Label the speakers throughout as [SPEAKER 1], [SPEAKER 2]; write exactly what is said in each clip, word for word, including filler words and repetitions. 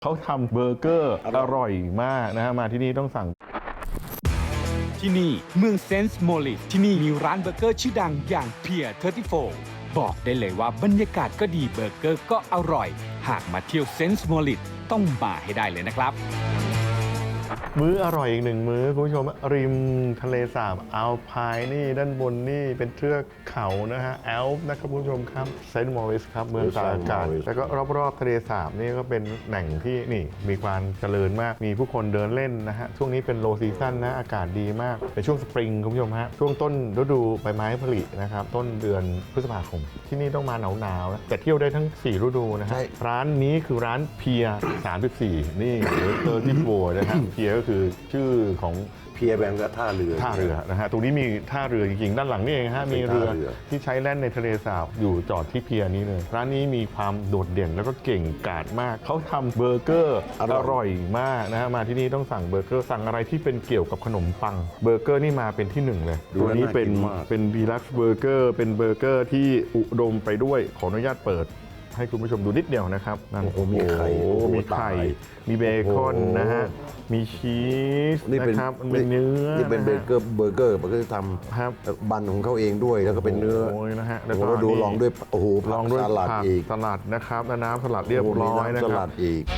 [SPEAKER 1] เขาทำเบอร์เกอร์อร่อยมากนะฮะมาที่นี่ต้องสั่ง
[SPEAKER 2] ที่นี่เมืองเซนต์โมริสที่นี่มีร้านเบอร์เกอร์ชื่อดังอย่างเพียร์สามสิบสี่บอกได้เลยว่าบรรยากาศก็ดีเบอร์เกอร์ก็อร่อยหากมาเที่ยวเซนต์โมริสต้องมาให้ได้เลยนะครับ
[SPEAKER 1] มื้ออร่อยอีกหนึ่งมื้อคุณผู้ชมริมทะเลสาบอัลไพน์นี่ด้านบนนี่เป็นเทือกเขานะฮะแอลป์นะครับคุณผู้ชมครับเซนต์มอริสครับเมืองตากอากาศแล้วก็รอบๆทะเลสาบนี่ก็เป็นแหล่งที่นี่มีความเจริญมากมีผู้คนเดินเล่นนะฮะช่วงนี้เป็นโลซีซั่นนะอากาศดีมากเป็นช่วงสปริงคุณผู้ชมฮะช่วงต้นฤดูใบไม้ผลินะครับต้นเดือนพฤษภาคมที่นี่ต้องมาหนาวๆนะแต่เที่ยวได้ทั้งสี่ฤดูนะฮะร้านนี้คือร้านเพียร์สามสิบสี่นี่หรือเตอร์ที่โบนะครับเพียร์ก็คือชื่อของ
[SPEAKER 3] เพียร์แบงก์ท่าเรือ
[SPEAKER 1] ท่าเรือนะฮะตรงนี้มีท่าเรือจริงๆด้านหลังนี่เองฮะมีเรือที่ใช้แล่นในทะเลสาบอยู่จอดที่เพียร์นี้เลยร้านนี้มีความโดดเด่นแล้วก็เก่งกาจมากเขาทำเบอร์เกอร์อร่อยมากนะฮะมาที่นี่ต้องสั่งเบอร์เกอร์สั่งอะไรที่เป็นเกี่ยวกับขนมปังเบอร์เกอร์นี่มาเป็นที่หนึ่งเลยตัวนี้เป็นเป็นดีลักซ์เบอร์เกอร์เป็นเบอร์เกอร์ที่อุดมไปด้วยขออนุญาตเปิดให้คุณผู้ชมดูนิดเดียวนะครับนั่นโอ้
[SPEAKER 3] มีไข่
[SPEAKER 1] มีไข่มีเบคอนนะฮะมีชีสนะครับมันเป็นเนื้อ
[SPEAKER 3] นี่เป็นเบเกอร์เบอร์เกอร์มันก็จะทำบันของเขาเองด้วยแล้วก็เป็นเนื้อ
[SPEAKER 1] นะฮะ
[SPEAKER 3] แล้วก็ดูลองด้วยโอ้โห
[SPEAKER 1] ลองด้วย
[SPEAKER 3] สลัดอีก
[SPEAKER 1] สลัดนะครับและน้ำสลัดเรียบร้อยนะครับ
[SPEAKER 3] สลัดอีก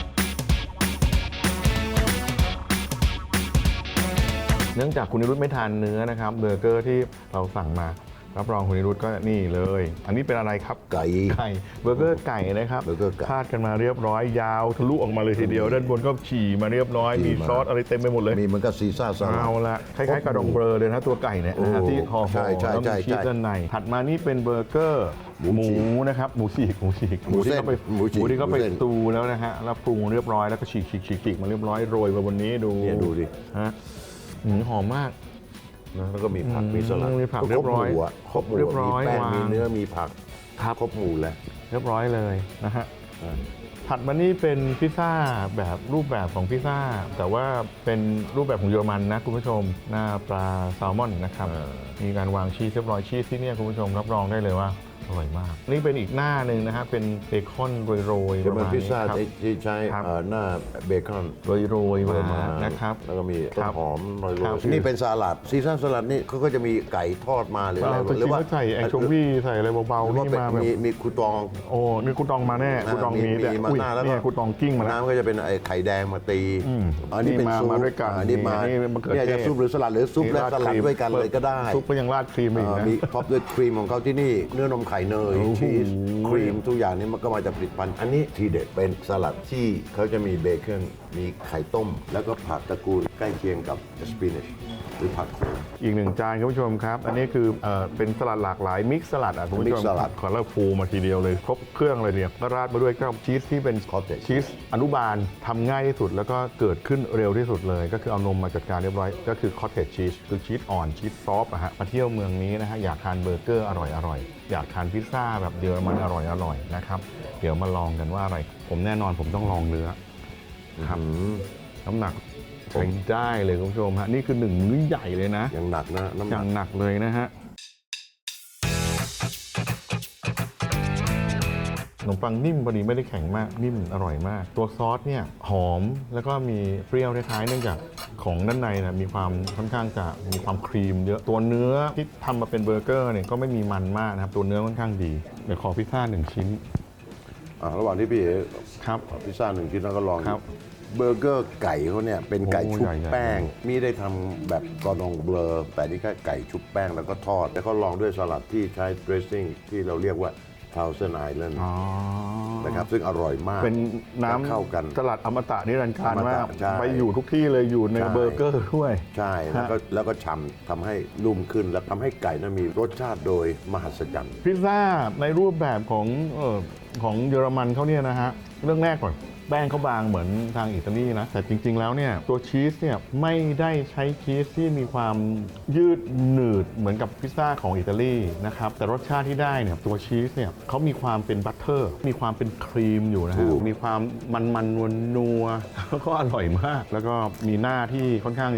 [SPEAKER 1] เนื่องจากคุณนิรุตไม่ทานเนื้อนะครับเบอร์เกอร์ที่เราสั่งมารับรองคุณนิรุตก็นี่เลยอันนี้เป็นอะไรครับ
[SPEAKER 3] ไก่
[SPEAKER 1] ไก่เบอร์เกอร์ไก่นะครับคาดกันมาเรียบร้อยยาวทะลุออกมาเลยทีเดียวด้านบนก็ฉี่มาเรียบร้อยมีซอสอะไรเต็มไปหมดเลย
[SPEAKER 3] มีเหมือนกับซีซ่าซอส
[SPEAKER 1] เอาละคล้ายๆกระดองเบอร์เลยนะตัวไก่เนี่ยนะฮะที่ห่อๆแล้วมีชีสด้านในถัดมานี่เป็นเบอร์เกอร์หมูนะครับหมูฉีกหมูฉีก
[SPEAKER 3] หมูที่เขาไป
[SPEAKER 1] หมูที่เขาไปตูแล้วนะฮะแล้วปรุงเรียบร้อยแล้วก็ฉีกฉีกฉีกมาเรียบร้อยโรยมาบนนี้ดู
[SPEAKER 3] ดูดิ
[SPEAKER 1] ฮะหอมมาก
[SPEAKER 3] แล้วก็มีผักมีสลัด
[SPEAKER 1] มีผักเรียบร้อย
[SPEAKER 3] ครบเรียบร้อยมีแป้งมีเนื้อมีผักครบหมูแล้ว
[SPEAKER 1] เรียบร้อยเลยนะฮะถัดมานี่เป็นพิซซ่าแบบรูปแบบของพิซซ่าแต่ว่าเป็นรูปแบบของเยอรมันนะคุณผู้ชมหน้าปลาแซลมอนนะครับมีการวางชีสเรียบร้อยชีสที่นี่คุณผู้ชมรับรองได้เลยว่าอร่อยมากนี่เป็นอีกหน้าหนึ่งนะฮะเป็นเบคอนโรยๆ
[SPEAKER 3] เป็นพิซซ่าที่ใช้หน้าเบคอน
[SPEAKER 1] โรยๆมานะครับ
[SPEAKER 3] แล้วก็มีต้นหอมโรยๆนี่เป็นสลัดซีซ่าสลัดนี่เขาก็จะมีไก่ทอดมาหรืออะไร
[SPEAKER 1] หรือว่าใส่แองโชวีใส่อะไรเบาๆนี่มาแบบ
[SPEAKER 3] มีคูตอง
[SPEAKER 1] โอ้มีคูตองมาแน่คูตองมีแต่อุ้ยนี่คูตองกิ้งมาแล้ว
[SPEAKER 3] น้ำก็จะเป็นไอ้ไข่แดงมาตี
[SPEAKER 1] อันนี้เป็นซุปมาด้วยกัน
[SPEAKER 3] อันนี้มาเนี่ยจะซุปหรือสลัดหรือซุปและสลัดด้วยกันเลยก็ได้
[SPEAKER 1] ซุปก็ยังราดครีมอีกนะ
[SPEAKER 3] มีท็อปด้วยครีมของเขาที่นี่เนื้อนมไข่เนยชีสครีมทุกอย่างนี้มันก็มาจากผลิตภัณฑ์อันนี้ทีเด็ดเป็นสลัดที่เขาจะมีเบคอนมีไข่ต้มแล้วก็ผักตระกูลใกล้เคียงกับสปินัชหรือผักโขม
[SPEAKER 1] อีกหนึ่งจานคุณผู้ชมครับอันนี้คือเอ่อเป็นสลัดหลากหลายมิกซ์สลัดอ่ะคุณผู้ชมขอเล่าฟูมาทีเดียวเลยครบเครื่องเลยเนี่ยก็ราดมาด้วยก็ชีสที่เป็นชีสอนุบาลทำง่ายที่สุดแล้วก็เกิดขึ้นเร็วที่สุดเลยก็คือเอานมมาจัดการเรียบร้อยก็คือคอตเทจชีสคือชีสอ่อนชีสซอฟต์อะฮะมาเที่ยวเมืองนี้นะฮะอยากทานเบอร์เกอร์อร่อยอร่อยอยากทานพิซซ่าแบบเยอรมันอร่อยอร่อยนะครับเดี๋ยวมาลองกันว่าอะไรผมแน่นอนผมต้องลองเนื้อครับน้ำหนักใช้ได้เลยคุณผู้ชมฮะนี่คือหนึ่งมื้อใหญ่เลยนะ
[SPEAKER 3] อย่างหนักนะ
[SPEAKER 1] น้ำหนักอย่างหนักเลยนะฮะขนมปังนิ่มพอดีไม่ได้แข็งมากนิ่มอร่อยมากตัวซอสเนี่ยหอมแล้วก็มีเปรี้ยวคล้ายๆเนื่องจากของด้านในนะมีความค่อนข้างจะมีความครีมเยอะตัวเนื้อที่ทำมาเป็นเบอร์เกอร์เนี่ยก็ไม่มีมันมากนะครับตัวเนื้อค่อนข้างดีเดี๋ยวขอพิซซ่าหนึ่งชิ้น
[SPEAKER 3] อ่าระหว่างที่พี่เอ๋
[SPEAKER 1] ครับ
[SPEAKER 3] พิซซ่าหนึ่งชิ้นแล้วก็ลองเบอร์เกอร์ไก่เขาเนี่ยเป็นไก่ชุบแป้งมีได้ทำแบบกอร์ดองเบลอแต่นี่แค่ไก่ชุบแป้งแล้วก็ทอดแล้วก็ลองด้วยสลัดที่ใช้ดรสซิ่งที่เราเรียกว่าทาวเซนไอแลนด์นะครับซึ่งอร่อยมาก
[SPEAKER 1] เป็นน้ำ
[SPEAKER 3] เข้ากัน
[SPEAKER 1] สลัดอมตะนิรันดร์การมากไปอยู่ทุกที่เลยอยู่ในเบอร์เกอร์ด้วย
[SPEAKER 3] ใช่แล้วก็แล้วก็ฉ่ำทำให้นุ่มขึ้นและทำให้ไก่นั้นมีรสชาติโดยมหัศจรรย์
[SPEAKER 1] พิซซ่าในรูปแบบของเอ่อของเยอรมันเขาเนี่ยนะฮะเรื่องแรกก่อนแป้งเขาบางเหมือนทางอิตาลีนะแต่จริงๆแล้วเนี่ยตัวชีสเนี่ยไม่ได้ใช้ชีสที่มีความยืดหนืดเหมือนกับพิซซ่าของอิตาลีนะครับแต่รสชาติที่ได้เนี่ยตัวชีสเนี่ยเขามีความเป็นบัตเตอร์มีความเป็นครีมอยู่นะฮะมีความมันมันนวลนัวแล้วก็อร่อยมากแล้วก็มีหน้าที่ค่อนข้างเ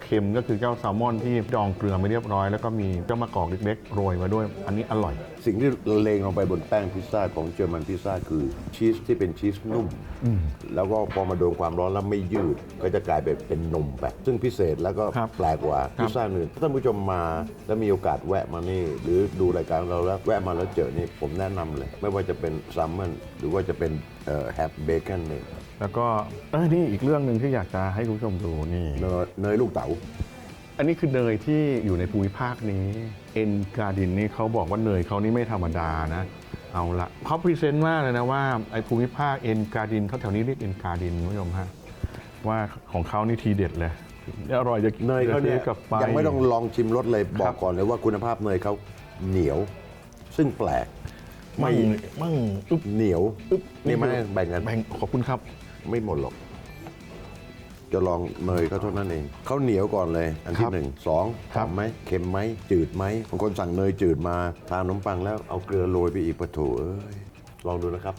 [SPEAKER 1] เค็มก็คือเจ้าแซลมอนที่ดองเกลือไม่เรียบร้อยแล้วก็มีเจ้ามะกอกเล็กๆโรยมาด้วยอันนี้อร่อย
[SPEAKER 3] สิ่งที่เลงลงไปบนแป้งพิซซ่าของเยอรมันพิซซ่าคือชีสที่เป็นชีสนุ่ม แล้วก็พอมาโดนความร้อนแล้วไม่ยืด ก็จะกลายเป็นเป็นนมแบบซึ่งพิเศษแล้วก็
[SPEAKER 1] ครับ
[SPEAKER 3] แปลกกว่าพิซซ่าอื่นถ้าท่านผู้ชมมาแล้วมีโอกาสแวะมานี่ หรือดูรายการเราแล้วแวะมาแล้วเจอนี่ผมแนะนำเลย ไม่ว่าจะเป็นแซลมอนหรือว่าจะเป็นแฮปเบคอนเนี่ย
[SPEAKER 1] แล้วก็เออนี่อีกเรื่องหนึ่งที่อยากจะให้คุณผู้ชมดูนี่
[SPEAKER 3] เนยเนยลูกเต๋า
[SPEAKER 1] อันนี้คือเนยที่อยู่ในภูมิภาคนี้เอ็นการ์ดินนี่เขาบอกว่าเนยเขานี่ไม่ธรรมดานะเอาละเขาพรีเซนต์มากเลยนะว่าไอ้ภูมิภาคเอ็นการ์ดินเขาแถวนี้เรียกเอ็นการ์ดินคุณผู้ชมฮะว่าของเขานี่ทีเด็ดเลยอร่อยจะ
[SPEAKER 3] เนยเขาเนี่ย
[SPEAKER 1] จะซื้อกลับไป
[SPEAKER 3] ยังไม่ต้องลองชิมรสเลยบอ
[SPEAKER 1] ครั
[SPEAKER 3] ก
[SPEAKER 1] บ
[SPEAKER 3] ก่อนเลยว่าคุณภาพเนยเขาเหนียว ซึ่งแปลก
[SPEAKER 1] มั่งมั่งอึ๊บ
[SPEAKER 3] เหนียว
[SPEAKER 1] อึ๊บ
[SPEAKER 3] นี่ไม่แบ่งกัน
[SPEAKER 1] แบ่งขอบคุณครับ
[SPEAKER 3] ไม่หมดหรอก จะลองเนยเขาเท่านั้นเองเขาเหนียวก่อนเลย อันที่
[SPEAKER 1] ครับ
[SPEAKER 3] หนึ่งสอง
[SPEAKER 1] ครั
[SPEAKER 3] ห
[SPEAKER 1] บ
[SPEAKER 3] อมไหมเค็มไหมจืดไหมบางคนสั่งเนยจืดมาทานขนมปังแล้วเอาเกลือโรยไปอีกปะโถเอ้ยลองดูนะครับ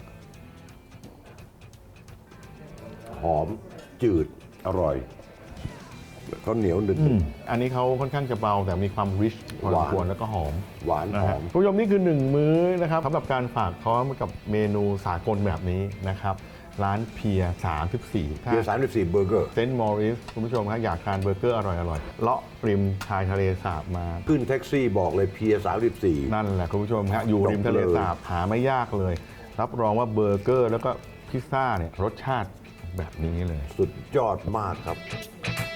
[SPEAKER 3] หอมจืดอร่อยเขาเหนียวหนึบ
[SPEAKER 1] อืมอันนี้เขาค่อนข้างจะเบาแต่มีความริชพอสมควรแล้วก็หอม
[SPEAKER 3] หวาน
[SPEAKER 1] นะ
[SPEAKER 3] ห
[SPEAKER 1] ฮะ
[SPEAKER 3] อม
[SPEAKER 1] คุณผู้ชมนี่คือหนึ่งมื้อนะครับสำหรับการฝากท้องกับเมนูสากลแบบนี้นะครับ ร้านเพียสามสิบสี่
[SPEAKER 3] เบียร์สามสิบสี่เบอร์เกอร์
[SPEAKER 1] เซนต์มอริสคุณผู้ชมครับอยากทานเบอร์เกอร์อร่อยๆเลาะริมชายทะเลสาบมา
[SPEAKER 3] ขึ้นแท็กซี่บอกเลยเพียสามสิบสี่
[SPEAKER 1] นั่นแหละคุณผู้ชมฮะอยู่ริมทะเลสาบหาไม่ยากเลย รับรองว่าเบอร์เกอร์แล้วก็พิซซ่าเนี่ยรสชาติแบบนี้เลย
[SPEAKER 3] สุดยอดมากครับ